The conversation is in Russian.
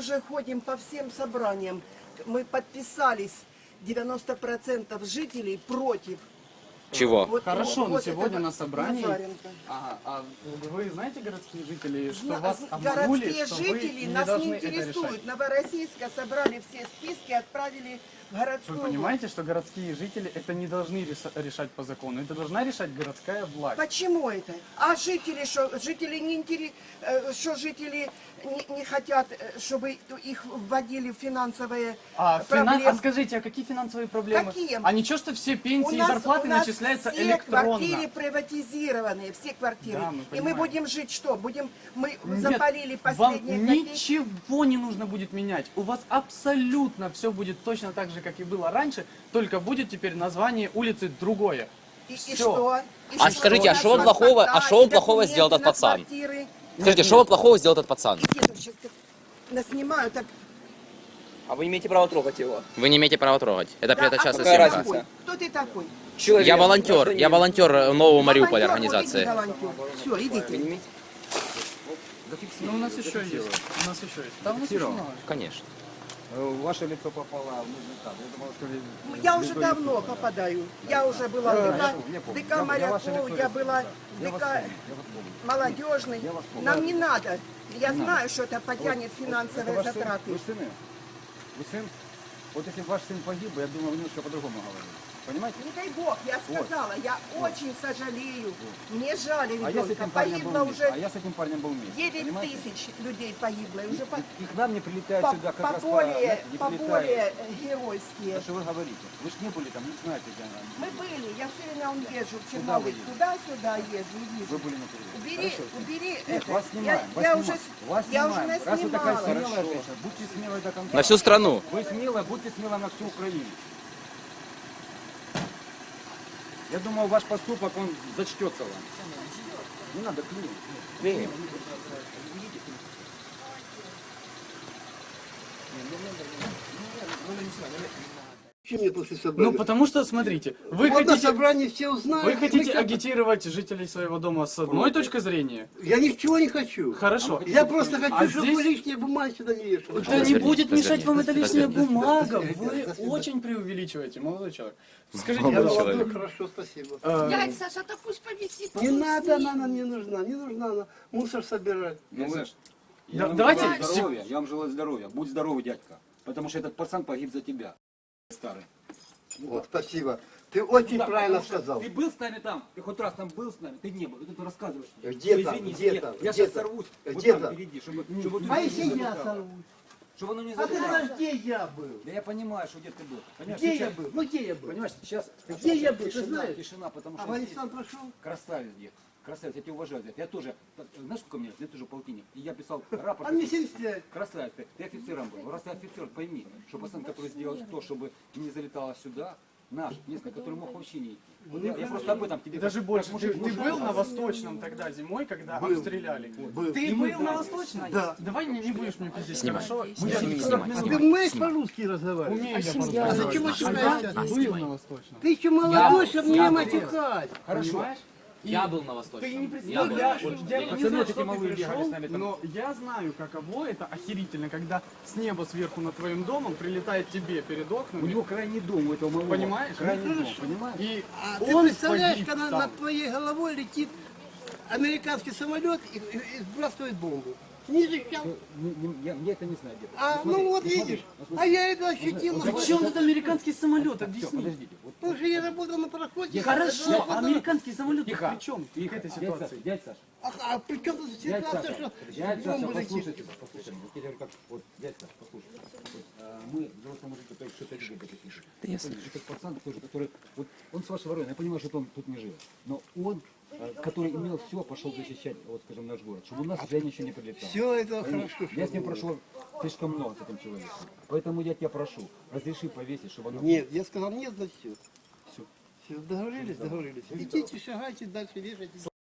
уже ходим по всем собраниям. Мы подписались, 90% жителей против. Чего? Вот, Хорошо, но вот сегодня этого на собрании... Назаренко. А вы знаете, городские жители, что Зна- вас обманули, Городские что вы жители не нас должны не это интересуют. решать? Новороссийска собрали все списки, отправили в городскую. Вы понимаете, что городские жители это не должны решать по закону, это должна решать городская власть. Почему это? А жители что? Жители не что жители не хотят, чтобы их вводили в финансовые проблемы? А скажите, а какие финансовые проблемы? Какие? А ничего, что все пенсии и зарплаты начисляются все электронно? квартиры приватизированные, все квартиры. Да, мы И мы понимаем. будем жить что? Мы Нет, запалили вам последние копейки. ничего не нужно будет менять. У вас абсолютно все будет точно так же, как и было раньше, только будет теперь название улицы другое. И Всё. что? И А что? скажите, а У что он нас плохого- паспорта, а что он и плохого документы сделал этот на пацан? квартиры. Скажите, что плохого сделал этот пацан? Иди, тут сейчас наснимаю, так. А вы не имеете права трогать его. Вы не имеете права трогать. Это Да, частная кто какая ты съемка. разница? такой? Кто ты такой? Человек. Я волонтер Нового Мариуполя Волонтер, организации. вот иди, волонтер. Все, Вы не идите. имеете? Ну, у нас еще есть. У нас еще есть. Там у нас еще много. Конечно. Ваше лицо попало в нужный кадр. Я думал, что Я уже давно попадаю. Я уже была в я помню. ДК Я моряков, ваше лицо я вижу. была в Я вас ДК помню, я вас помню. молодежный. Я вас помню. Нам не надо. Я знаю, что это потянет Это финансовые ваш сын? затраты. Вы сыны? Вы сын? Вот если бы ваш сын погиб, я думаю, вы немножко по-другому говорили. Понимаете? Не дай бог, я сказала, я очень сожалею. Мне жаль А я с ребенка. этим парнем был Погибло вместе. А уже я с этим парнем был вместе. 9 Понимаете? тысяч людей погибло. И уже И к нам не прилетают по сюда как раз более, не по прилетают. более геройские. Да что вы говорите? Вы ж не были там, не знаете, где она. Мы были, я все время езжу в Куда вы Чернобыль, ездите? туда-сюда езжу, и вижу. Вы были на передовой. Убери, Хорошо. убери Нет, это. вас снимаем. Я уже, вас я уже снимаем. Раз вы такая наснимала. смелая женщина, будьте смелой до конца. На всю страну. Вы смелая, будьте смелой на всю Украину. Я думаю, ваш поступок, он зачтется вам. Не надо клеить. Чем мне после собрания? Ну, потому что, смотрите, вы Вот на хотите... собрании все узнают. Вы и хотите мы как- агитировать жителей своего дома с одной точки зрения? Я ничего не хочу. Хорошо. Я просто хочу, А чтобы здесь- вы лишние бумаги сюда не вешали. Да не Разверните, будет мешать вам эта лишняя разверните. бумага. Вы Спасибо. очень преувеличиваете, молодой человек. Скажите, Я пожалуйста, молодой, хорошо, спасибо. Дядь Саша, да пусть повисит. Не надо, она не нужна, не нужна она. Мусор собирать. Ну, вы... Да, вам давайте желаю здоровья, я вам желаю здоровья. Будь здоровый, дядька. Потому что этот пацан погиб за тебя. Старый. Вот, спасибо. Ты очень Да, правильно потому что сказал. Ты был с нами там? Ты хоть раз там был с нами? Ты не был. Ты рассказываешь. Где Что, там? извини, Где я, там? Я Где сейчас там? сорвусь. Вот Где там там? впереди, чтобы А если я сорвусь? Чтобы оно не А ты залетало. знаешь, где я был? Да я понимаю, что где ты был. Понимаешь, Где я сейчас, был? Ну где я был? Понимаешь, сейчас Где я был, ты тишина, знаешь? тишина, потому что Афганистан прошел? красавец, дед. Красавец, я тебя уважаю, дед. Я тоже, знаешь, сколько мне лет? Я тоже полтинник. И я писал рапорт. А мне 75. Красавец, ты офицером был. Раз ты офицер, пойми, что пацан, который сделал то, чтобы не залетало сюда, наш, местный, который мог вообще не... Вот я просто об этом тебе... и даже как больше. мужик Ты мужику был на сказал. Восточном тогда зимой, когда Был. обстреляли? Был. Ты был на Восточном? Да. Давай не будешь мне пиздеть, Снимай. хорошо? Ты умеешь по-русски разговаривать? Умею я А по-русски. зачем матюкаешься? Был на Восточном. Ты еще молодой, чтобы не матюкать. Понимаешь? Я был на Восточном. Ты не представляешь, я не Пацаны знаю, эти что ты малые бегали пришел, с нами там. но я знаю, каково это охерительно, когда с неба сверху над твоим домом прилетает тебе перед У окнами, него крайний дом, у этого малого. Понимаешь? Крайний дом, понимаешь? и А ты он представляешь, погиб когда там. над твоей головой летит американский самолет и сбрасывает бомбу? Не защищал. Я это не знаю, дед. А, Смотри, ну вот смотри, видишь, смотри. а я это ощутил. При чем тут американский самолет? Всё, Объясни. подождите. Вот, Потому что я работал на пароходе. Хорошо, а американский самолет Тихо, при чем к тихо. этой Дядь ситуации? Саша, дядь Саша. А при чем тут Дядь ситуация, Саша, что дядь Саша, бомбу летит? послушайте, послушайте. Вот я говорю, как, вот, дядь Саша, послушай. Вот, мы, взрослые мужики, которые что-то любят такие. Этот пацан тоже, который, вот, он с вашего района, я понимаю, что он тут не живет, но он, который имел все, пошел защищать, вот, скажем, наш город, чтобы у нас сюда ничего не прилетало. Все это Понимаешь? хорошо. Я с ним прошел слишком много с этим человеком. Поэтому я тебя прошу, разреши повесить, чтобы оно... Нет, я сказал нет, значит все. Все. Все, договорились, договорились. Идите, шагайте дальше, вешайте.